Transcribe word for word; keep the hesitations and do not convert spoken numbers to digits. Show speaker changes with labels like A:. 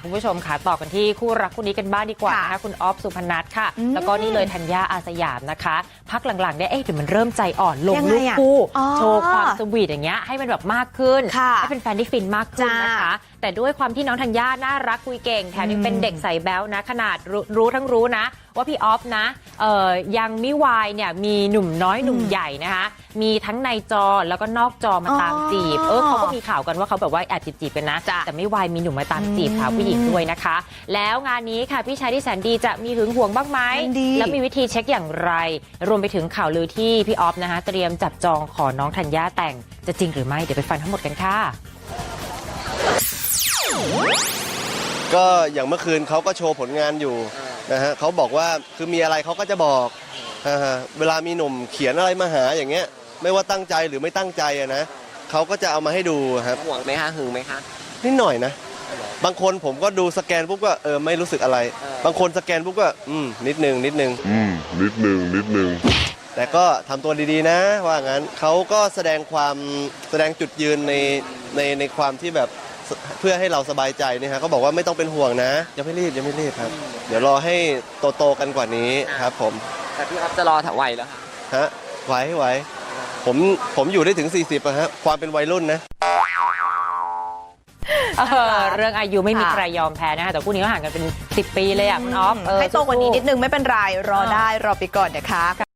A: คุณผู้ชมค่ะต่อกันที่คู่รักคู่นี้กันบ้างดีกว่านะคะคุณออฟสุพนัทค่ะแล้วก็นี่เลยธัญญาอาสยามนะคะพักหลังๆเนี่ยเอ๊ะเดี๋ยวมันเริ่มใจอ่อนลงรูปคู่โชว์ความสวีทอย่างเงี้ยให้มันแบบมากขึ้นให้เป็นแฟนที่ฟินมากขึ้นนะคะแต่ด้วยความที่น้องธัญญาน่ารักคุยเก่งแถมยังเป็นเด็กใส่แบ๊วนะขนาดรู้รู้ทั้งรู้นะว่าพี่ออฟนะเอ่อยังมิวายเนี่ยมีหนุ่มน้อยหนุ่มใหญ่นะคะมีทั้งในจอแล้วก็นอกจอมาตามจีบเออเขาก็มีข่าวกันว่าเขาแบบว่าแอบจีบๆกันนะแต่ไม่วายมีหนุ่มมาตามจีบสาวผู้หญิงด้วยนะคะแล้วงานนี้ค่ะพี่ชายที่แสนดีจะมีหึงหวงบ้างไหมแล้วมีวิธีเช็คอย่างไรรวมไปถึงข่าวลือที่พี่ออฟนะคะเตรียมจับจองขอน้องธัญญาแต่งจะจริงหรือไม่เดี๋ยวไปฟังทั้งหมดกันค่ะ
B: ก็อย่างเมื่อคืนเขาก็โชว์ผลงานอยู่นะฮะเขาบอกว่าคือมีอะไรเขาก็จะบอกนะฮะเวลามีหนุ่มเขียนอะไรมาหาอย่างเงี้ยไม่ว่าตั้งใจหรือไม่ตั้งใจอะนะเขาก็จะเอามาให้ดูครับ
C: ห่วงไหมคะหึงไหมคะ
B: นิดหน่อยนะบางคนผมก็ดูสแกนปุ๊บก็เออไม่รู้สึกอะไรบางคนสแกนปุ๊บก็อืมนิดนึงนิดนึง
D: อืมนิดนึงนิดนึง
B: แต่ก็ทำตัวดีๆนะว่างั้นเขาก็แสดงความแสดงจุดยืนในในในความที่แบบเพื่อให้เราสบายใจนี่ฮะเขาบอกว่าไม่ต้องเป็นห่วงนะยังไม่รีบยังไม่รีบครับเดี๋ยวรอให้โตๆกันกว่านี้ครับผม
C: แต่พี่ครับจะรอถวายแล้ว
B: ฮะไหวไหวผมผมอยู่ได้ถึงสี่สิบอะฮะความเป็นวัยรุ่นนะ
A: เออเรื่องอายุไม่มีใครยอมแพ้นะคะแต่คู่นี้ก็ห่างกันเป็นสิบปีเลยอ่ะคุณออฟ
E: ให้โตกว่านี้นิดนึงไม่เป็นไรรอได้รอไปก่อนนะคะ